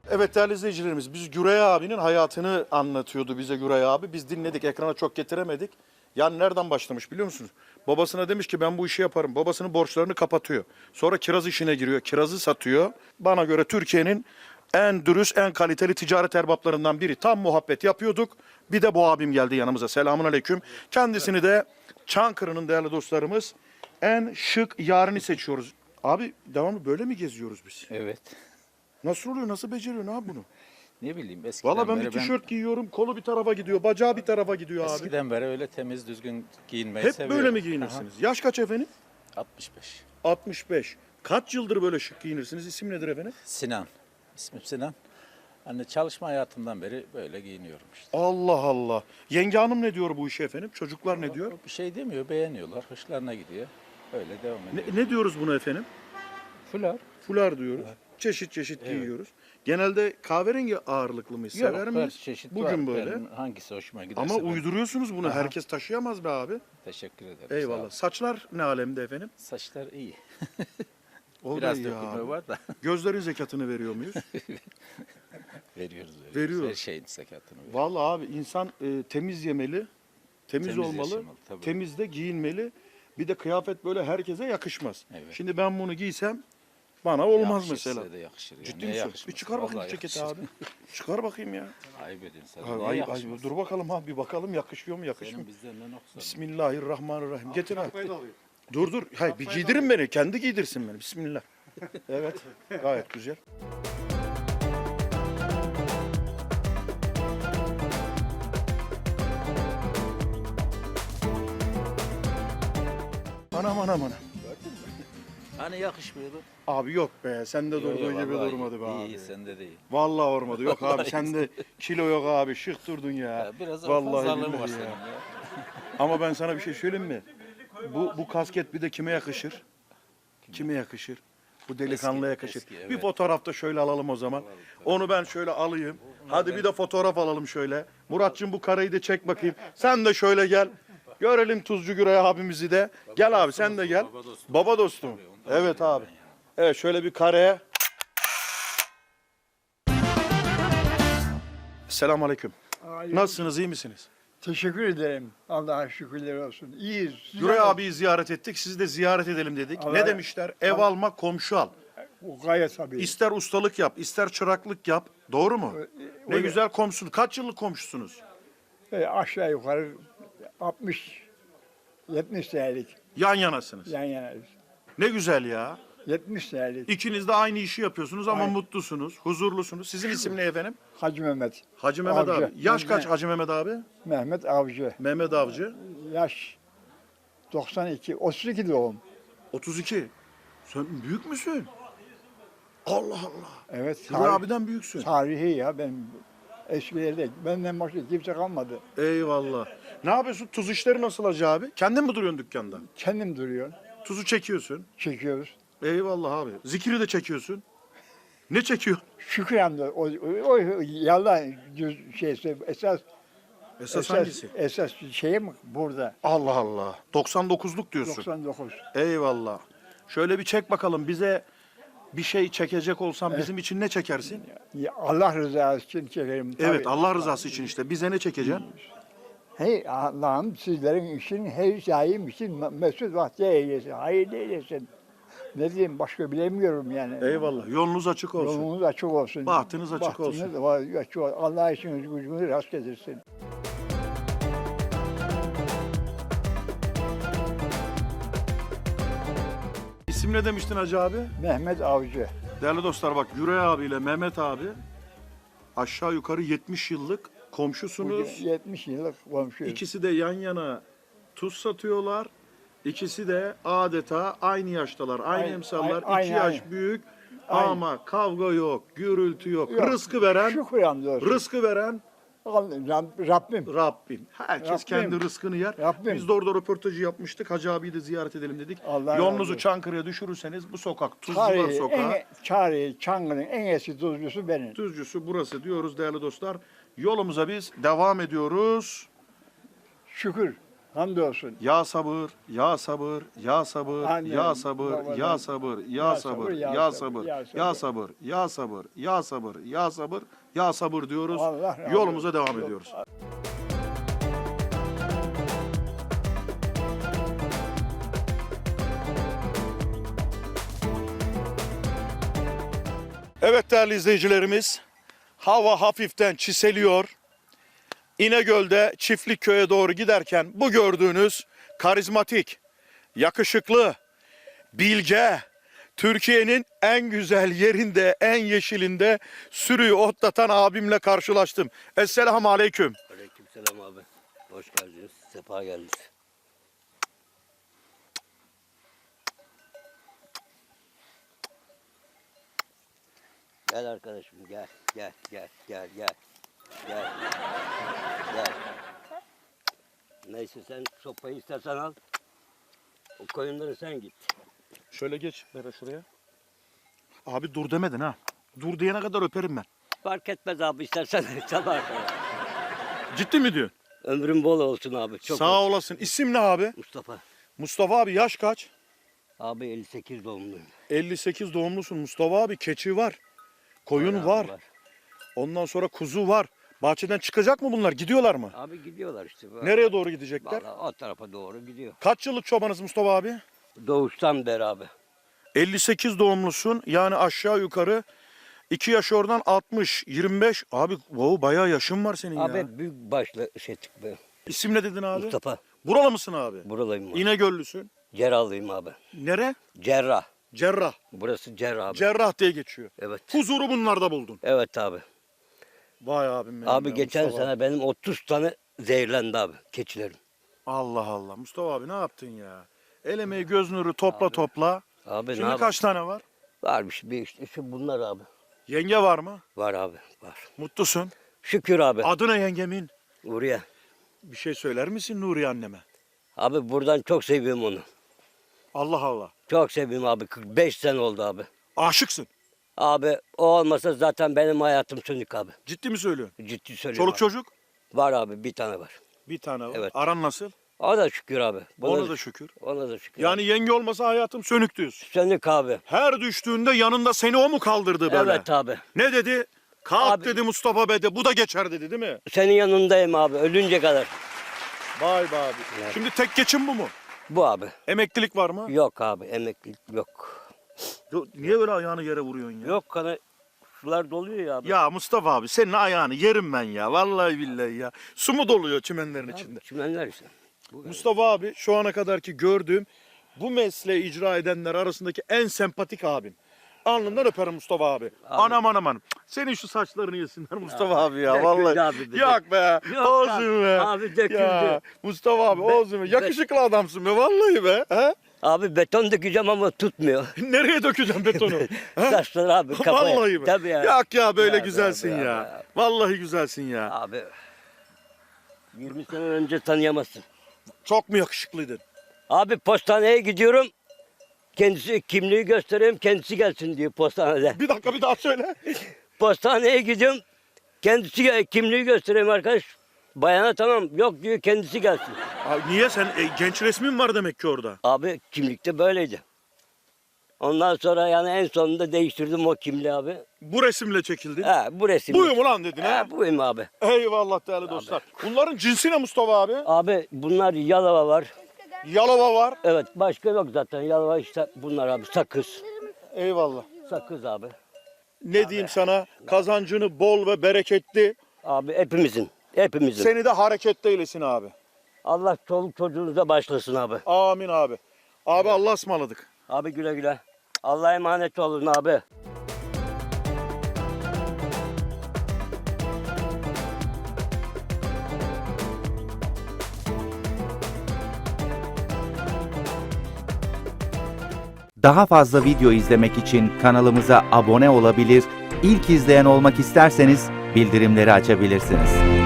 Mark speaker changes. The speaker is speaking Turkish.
Speaker 1: Evet değerli izleyicilerimiz, biz Güray abinin hayatını anlatıyordu bize Güray abi. Biz dinledik, ekrana çok getiremedik. Yani nereden başlamış biliyor musunuz? Babasına demiş ki ben bu işi yaparım. Babasının borçlarını kapatıyor. Sonra kiraz işine giriyor. Kirazı satıyor. Bana göre Türkiye'nin en dürüst, en kaliteli ticaret erbaplarından biri. Tam muhabbet yapıyorduk. Bir de bu abim geldi yanımıza. Selamun aleyküm. Kendisini de Çankırı'nın değerli dostlarımız en şık yarını seçiyoruz. Abi devamlı böyle mi geziyoruz biz?
Speaker 2: Evet.
Speaker 1: Nasıl oluyor? Nasıl beceriyorsun abi bunu?
Speaker 2: Ne bileyim eskiden
Speaker 1: Valla ben bir
Speaker 2: beri
Speaker 1: tişört giyiyorum, kolu bir tarafa gidiyor, bacağı bir tarafa gidiyor abi.
Speaker 2: eskiden beri öyle temiz düzgün giyinmeyi
Speaker 1: Hep
Speaker 2: seviyorum.
Speaker 1: böyle mi giyinirsiniz? Yaş kaç efendim?
Speaker 2: Aha, 65.
Speaker 1: 65. Kaç yıldır böyle şık giyinirsiniz? İsim nedir efendim?
Speaker 2: Sinan. İsmim Sinan. Hani çalışma hayatımdan beri böyle giyiniyorum işte.
Speaker 1: Allah Allah. Yenge hanım ne diyor bu işe efendim? Çocuklar ne diyor?
Speaker 2: Bir şey demiyor, beğeniyorlar, hoşlarına gidiyor. Öyle devam ediyor.
Speaker 1: Ne diyoruz buna efendim?
Speaker 2: Fular.
Speaker 1: Fular diyoruz. Çeşit çeşit giyiyoruz. Genelde kahverengi ağırlıklı mıyız? Sever
Speaker 2: Yok,
Speaker 1: miyiz?
Speaker 2: her çeşit
Speaker 1: Bugün
Speaker 2: var.
Speaker 1: böyle.
Speaker 2: Benim hangisi hoşuma giderse.
Speaker 1: Ama
Speaker 2: ben-
Speaker 1: uyduruyorsunuz bunu.
Speaker 2: Aha.
Speaker 1: Herkes taşıyamaz be abi.
Speaker 2: Teşekkür ederim. sağ ol.
Speaker 1: Eyvallah. Saçlar ne alemde efendim?
Speaker 2: Saçlar iyi.
Speaker 1: O da
Speaker 2: Biraz
Speaker 1: iyi
Speaker 2: dökülme
Speaker 1: abi.
Speaker 2: var da
Speaker 1: Gözlerin zekatını veriyor muyuz?
Speaker 2: veriyoruz.
Speaker 1: Veriyoruz.
Speaker 2: Her şeyin sekatını veriyoruz.
Speaker 1: Vallahi abi insan temiz yemeli, temiz
Speaker 2: Temiz
Speaker 1: olmalı,
Speaker 2: yaşamalı, tabii.
Speaker 1: temiz de giyinmeli. Bir de kıyafet böyle herkese yakışmaz.
Speaker 2: Evet.
Speaker 1: Şimdi ben bunu giysem bana olmaz
Speaker 2: Yakışır,
Speaker 1: mesela.
Speaker 2: size de yakışır. Ya.
Speaker 1: Ciddi
Speaker 2: Niye
Speaker 1: misin?
Speaker 2: yakışmaz?
Speaker 1: Bir çıkar bakayım
Speaker 2: Vallahi
Speaker 1: ceketi
Speaker 2: yakışır.
Speaker 1: abi. Çıkar bakayım ya.
Speaker 2: Ayıp edin sana.
Speaker 1: Ay,
Speaker 2: Niye
Speaker 1: ay,
Speaker 2: yakışmaz?
Speaker 1: dur bakalım abi bir bakalım yakışıyor mu yakışmıyor
Speaker 2: Senin
Speaker 1: mu?
Speaker 2: bizden ne noksan?
Speaker 1: Bismillahirrahmanirrahim. Getir abi. Dur. Hayır bir giydirin beni. Kendi giydirsin beni. Bismillah. Evet. Gayet güzel. Anam.
Speaker 2: Hani yakışmıyordu?
Speaker 1: Abi yok be. Sende
Speaker 2: Yok,
Speaker 1: durduğu
Speaker 2: yok,
Speaker 1: gibi
Speaker 2: vallahi
Speaker 1: durmadı be
Speaker 2: iyi,
Speaker 1: abi.
Speaker 2: İyi sende de iyi.
Speaker 1: Vallahi olmadı. Yok abi
Speaker 2: Vallahi
Speaker 1: sende kilo yok abi. Şık durdun ya.
Speaker 2: Ya biraz
Speaker 1: Vallahi
Speaker 2: fazlalığım
Speaker 1: billahi
Speaker 2: var
Speaker 1: ya.
Speaker 2: senin ya.
Speaker 1: Ama ben sana bir şey söyleyeyim mi? Bu kasket bir de kime yakışır? Kime yakışır? Bu delikanlıya
Speaker 2: Eski,
Speaker 1: yakışır.
Speaker 2: eski, evet.
Speaker 1: Bir fotoğrafta şöyle alalım o zaman. Onu ben şöyle alayım. Hadi bir de fotoğraf alalım şöyle. Muratcığım bu kareyi de çek bakayım. Sen de şöyle gel. Görelim Tuzcu Güray abimizi de. Gel abi sen de gel. Baba dostum. Evet abi. Evet şöyle bir kareye. Selamun aleyküm. Nasılsınız, iyi misiniz?
Speaker 3: Teşekkür ederim. Allah'a şükürler olsun. İyiyiz.
Speaker 1: Güray abiyi ziyaret ettik. Sizi de ziyaret edelim dedik.
Speaker 3: Allah-
Speaker 1: Ne demişler? Ev alma, komşu al.
Speaker 3: O gayet tabii.
Speaker 1: İster ustalık yap, ister çıraklık yap. Doğru mu? Ne
Speaker 3: öyle.
Speaker 1: güzel komşusunuz. Kaç yıllık komşusunuz?
Speaker 3: Aşağı yukarı 70 senelik
Speaker 1: Yan yanasınız.
Speaker 3: yan yanayız.
Speaker 1: Ne güzel ya.
Speaker 3: 70 senelik.
Speaker 1: İkiniz de aynı işi yapıyorsunuz ama
Speaker 3: Aynen.
Speaker 1: mutlusunuz, huzurlusunuz. Sizin isim ne efendim?
Speaker 3: Hacı Mehmet.
Speaker 1: Hacı Mehmet
Speaker 3: Avcı.
Speaker 1: abi. Yaş kaç
Speaker 3: Ben-
Speaker 1: Hacı Mehmet abi?
Speaker 3: Mehmet Avcı.
Speaker 1: Mehmet Avcı.
Speaker 3: Yaş 92. 32 doğum.
Speaker 1: 32. Sen büyük müsün? Allah Allah.
Speaker 3: Evet.
Speaker 1: Güray abiden büyüksün.
Speaker 3: Tarihi ya ben eskilerde benden başka kimse kalmadı.
Speaker 1: Eyvallah. Ne yapıyorsun? Tuz işleri nasıl Hacı abi? Kendin mi duruyorsun dükkanda?
Speaker 3: Kendim duruyor.
Speaker 1: Tuzu çekiyorsun.
Speaker 3: Çekiyoruz.
Speaker 1: Eyvallah abi. Zikiri de çekiyorsun. Ne çekiyor?
Speaker 3: Şükran da o yalan şeyse
Speaker 1: Esas hangisi?
Speaker 3: Esas şeyim burada.
Speaker 1: Allah Allah. 99'luk diyorsun.
Speaker 3: 99.
Speaker 1: Eyvallah. Şöyle bir çek bakalım. Bize bir şey çekecek olsan bizim için ne çekersin?
Speaker 3: Ya Allah rızası için çekerim.
Speaker 1: Evet
Speaker 3: tabii.
Speaker 1: Allah rızası için işte. Bize ne çekeceksin?
Speaker 3: Hey Allah'ım sizlerin için her daim için mesut vakti eylesin. Hayırlı eylesin. Ne diyeyim başka bilemiyorum yani.
Speaker 1: Eyvallah. Yolunuz açık olsun.
Speaker 3: Yolunuz açık olsun.
Speaker 1: Bahtınız açık olsun.
Speaker 3: Açık olsun. Allah işiniz gücünü rast getirsin.
Speaker 1: İsim ne demiştin Hacı abi?
Speaker 3: Mehmet Avcı.
Speaker 1: Değerli dostlar bak Güray abiyle Mehmet abi aşağı yukarı 70 yıllık komşusunuz.
Speaker 3: 70 yıllık komşuyuz.
Speaker 1: İkisi de yan yana tuz satıyorlar. İkisi de adeta aynı yaştalar, aynı
Speaker 3: Aynı,
Speaker 1: emsallar,
Speaker 3: aynı,
Speaker 1: iki yaş
Speaker 3: aynı.
Speaker 1: büyük
Speaker 3: Aynı.
Speaker 1: ama kavga yok, gürültü yok.
Speaker 3: Yok,
Speaker 1: Rızkı veren,
Speaker 3: Şükran olsun.
Speaker 1: rızkı veren
Speaker 3: Rabbim.
Speaker 1: Rabbim. Herkes
Speaker 3: Rabbim.
Speaker 1: kendi rızkını yer.
Speaker 3: Rabbim.
Speaker 1: Biz de orada röportajı yapmıştık. Hacı abiyi de ziyaret edelim dedik.
Speaker 3: Allah razı
Speaker 1: Yolunuzu
Speaker 3: olsun.
Speaker 1: Çankırı'ya düşürürseniz bu sokak, Tuzcular Sokağı,
Speaker 3: Çankırı'nın en eski tuzcusu benim.
Speaker 1: Tuzcusu burası diyoruz değerli dostlar. Yolumuza biz devam ediyoruz.
Speaker 3: Şükür. Hamdolsun.
Speaker 1: Ya sabır, ya sabır, ya sabır,
Speaker 3: Annem,
Speaker 1: ya sabır,
Speaker 3: babadan,
Speaker 1: ya sabır, ya sabır, ya sabır, ya sabır, ya sabır, ya sabır, ya sabır, ya sabır diyoruz.
Speaker 3: Allah razı
Speaker 1: Yolumuza
Speaker 3: olsun.
Speaker 1: devam ediyoruz. Evet değerli izleyicilerimiz, hava hafiften çiseliyor. İnegöl'de Çiftlikköy'e doğru giderken bu gördüğünüz karizmatik, yakışıklı, bilge, Türkiye'nin en güzel yerinde, en yeşilinde sürüyü otlatan abimle karşılaştım. Esselamu Aleyküm.
Speaker 4: Aleykümselam abi. Hoş geldiniz. Sefa geldiniz. Gel arkadaşım gel. Gel. Gel. Neyse sen sopayı istersen al. O koyunları sen git.
Speaker 1: Şöyle geç Bera şuraya. Abi dur demedin ha. Dur diyene kadar öperim ben.
Speaker 4: Fark etmez abi istersen sabah kadar.
Speaker 1: Ciddi mi diyorsun?
Speaker 4: Ömrün bol olsun abi. Çok
Speaker 1: Sağ
Speaker 4: olsun.
Speaker 1: olasın. İsim ne abi?
Speaker 4: Mustafa.
Speaker 1: Mustafa abi yaş kaç?
Speaker 4: Abi 58 doğumluyum.
Speaker 1: 58 doğumlusun Mustafa abi. Keçi var. Koyun var. Ondan sonra kuzu var. Bahçeden çıkacak mı bunlar? Gidiyorlar mı?
Speaker 4: Abi gidiyorlar işte. Böyle.
Speaker 1: Nereye doğru gidecekler?
Speaker 4: Vallahi o tarafa doğru gidiyor.
Speaker 1: Kaç yıllık çobanız Mustafa abi?
Speaker 4: Doğuştan beri abi.
Speaker 1: 58 doğumlusun. Yani aşağı yukarı 2 yaş oradan 60, 25. Abi wow, bayağı yaşın var senin
Speaker 4: Abi
Speaker 1: ya.
Speaker 4: büyük başlı şeytik be.
Speaker 1: İsim ne dedin abi?
Speaker 4: Mustafa.
Speaker 1: Buralı mısın abi?
Speaker 4: Buralıyım abi.
Speaker 1: İnegöllüsün.
Speaker 4: Cerrahlıyım abi.
Speaker 1: Nere?
Speaker 4: Cerrah.
Speaker 1: Cerrah.
Speaker 4: Burası cerrah abi.
Speaker 1: Cerrah diye geçiyor.
Speaker 4: Evet.
Speaker 1: Huzuru bunlarda buldun.
Speaker 4: Evet abi.
Speaker 1: Vay abim benim
Speaker 4: Abi
Speaker 1: ya,
Speaker 4: geçen
Speaker 1: Mustafa.
Speaker 4: sene benim 30 tane zehirlendi abi keçilerim.
Speaker 1: Allah Allah. Mustafa abi ne yaptın ya? El emeği göz nuru topla topla.
Speaker 4: Abi ne
Speaker 1: Şimdi
Speaker 4: yapayım?
Speaker 1: kaç tane var?
Speaker 4: Varmış bir işte şu bunlar abi.
Speaker 1: Yenge var mı?
Speaker 4: Var abi var.
Speaker 1: Mutlusun.
Speaker 4: Şükür abi.
Speaker 1: Adı ne yengemin?
Speaker 4: Buraya.
Speaker 1: Bir şey söyler misin Nuriye anneme?
Speaker 4: Abi buradan çok seviyorum onu.
Speaker 1: Allah Allah.
Speaker 4: Çok seviyorum abi. 45 sene oldu abi.
Speaker 1: Aşıksın.
Speaker 4: Abi o olmasa zaten benim hayatım sönük abi.
Speaker 1: Ciddi mi söylüyorsun?
Speaker 4: Ciddi söylüyorum
Speaker 1: Çoluk
Speaker 4: abi.
Speaker 1: çocuk?
Speaker 4: Var abi bir tane var.
Speaker 1: Bir tane var.
Speaker 4: Evet.
Speaker 1: Aran nasıl?
Speaker 4: O da şükür abi.
Speaker 1: Ona da şükür.
Speaker 4: Ona da şükür.
Speaker 1: Yani yenge olmasa hayatım sönük diyorsun.
Speaker 4: Sönük abi.
Speaker 1: Her düştüğünde yanında seni o mu kaldırdı böyle?
Speaker 4: Evet abi.
Speaker 1: Ne dedi? Kalk
Speaker 4: Abi-
Speaker 1: dedi Mustafa Bey de bu da geçer dedi değil mi?
Speaker 4: Senin yanındayım abi ölünce kadar.
Speaker 1: Vay be abi.
Speaker 4: Evet.
Speaker 1: Şimdi tek geçim bu mu?
Speaker 4: Bu abi.
Speaker 1: Emeklilik var mı?
Speaker 4: Yok abi emeklilik yok.
Speaker 1: Niye böyle ayağını yere vuruyorsun ya?
Speaker 4: Yok kana sular doluyor ya abi.
Speaker 1: Ya Mustafa abi senin ayağını yerim ben ya. Vallahi billahi ya. Su mu doluyor çimenlerin içinde?
Speaker 4: Çimenler işte.
Speaker 1: Mustafa abi şu ana kadarki gördüğüm bu mesleği icra edenler arasındaki en sempatik abim. Alnından öperim Mustafa abi. Anam anam anam. Senin şu saçlarını yesinler Mustafa abi ya
Speaker 4: döküldü
Speaker 1: vallahi.
Speaker 4: abi,
Speaker 1: Yok be.
Speaker 4: Yok
Speaker 1: Olsun be.
Speaker 4: abi, döküldü.
Speaker 1: Ya, Mustafa abi olsun be. Yakışıklı adamsın be vallahi be. He?
Speaker 4: Abi beton dökeceğim ama tutmuyor.
Speaker 1: Nereye dökeceğim betonu? He?
Speaker 4: Saçlar abi kafaya.
Speaker 1: Vallahi be.
Speaker 4: Tabii ya.
Speaker 1: Yok ya böyle
Speaker 4: Ya be,
Speaker 1: güzelsin
Speaker 4: abi,
Speaker 1: ya.
Speaker 4: abi.
Speaker 1: Vallahi güzelsin ya.
Speaker 4: Abi 20 sene önce tanıyamazsın.
Speaker 1: Çok mu yakışıklıydın?
Speaker 4: Abi postaneye gidiyorum. Kendisi kimliği göstereyim kendisi gelsin diyor postanede.
Speaker 1: Bir dakika bir daha söyle.
Speaker 4: Postaneye gidiyorum. Kendisi kimliği göstereyim arkadaş. Bayana tamam yok diyor kendisi gelsin.
Speaker 1: Abi niye sen genç resmin var demek ki orada.
Speaker 4: Abi kimlikte böyleydi. Ondan sonra yani en sonunda değiştirdim o kimliği abi.
Speaker 1: Bu resimle çekildin.
Speaker 4: Ha bu resim.
Speaker 1: Buyum ulan dedin ha.
Speaker 4: Ha buyum abi.
Speaker 1: Eyvallah değerli dostlar. Bunların cinsi ne Mustafa abi?
Speaker 4: Abi bunlar Yalova var.
Speaker 1: Yalova var.
Speaker 4: Evet başka yok zaten Yalova işte bunlar abi sakız.
Speaker 1: Eyvallah.
Speaker 4: Sakız abi.
Speaker 1: Ne diyeyim sana? Kazancını bol ve bereketli.
Speaker 4: Abi hepimizin. Hepimizin.
Speaker 1: Seni de hareketli eylesin abi.
Speaker 4: Allah çoluk çocuğunuza başlasın abi.
Speaker 1: Amin abi. Abi Allah'a ısmarladık.
Speaker 4: Abi güle güle. Allah'a emanet olun abi.
Speaker 5: Daha fazla video izlemek için kanalımıza abone olabilir, ilk izleyen olmak isterseniz bildirimleri açabilirsiniz.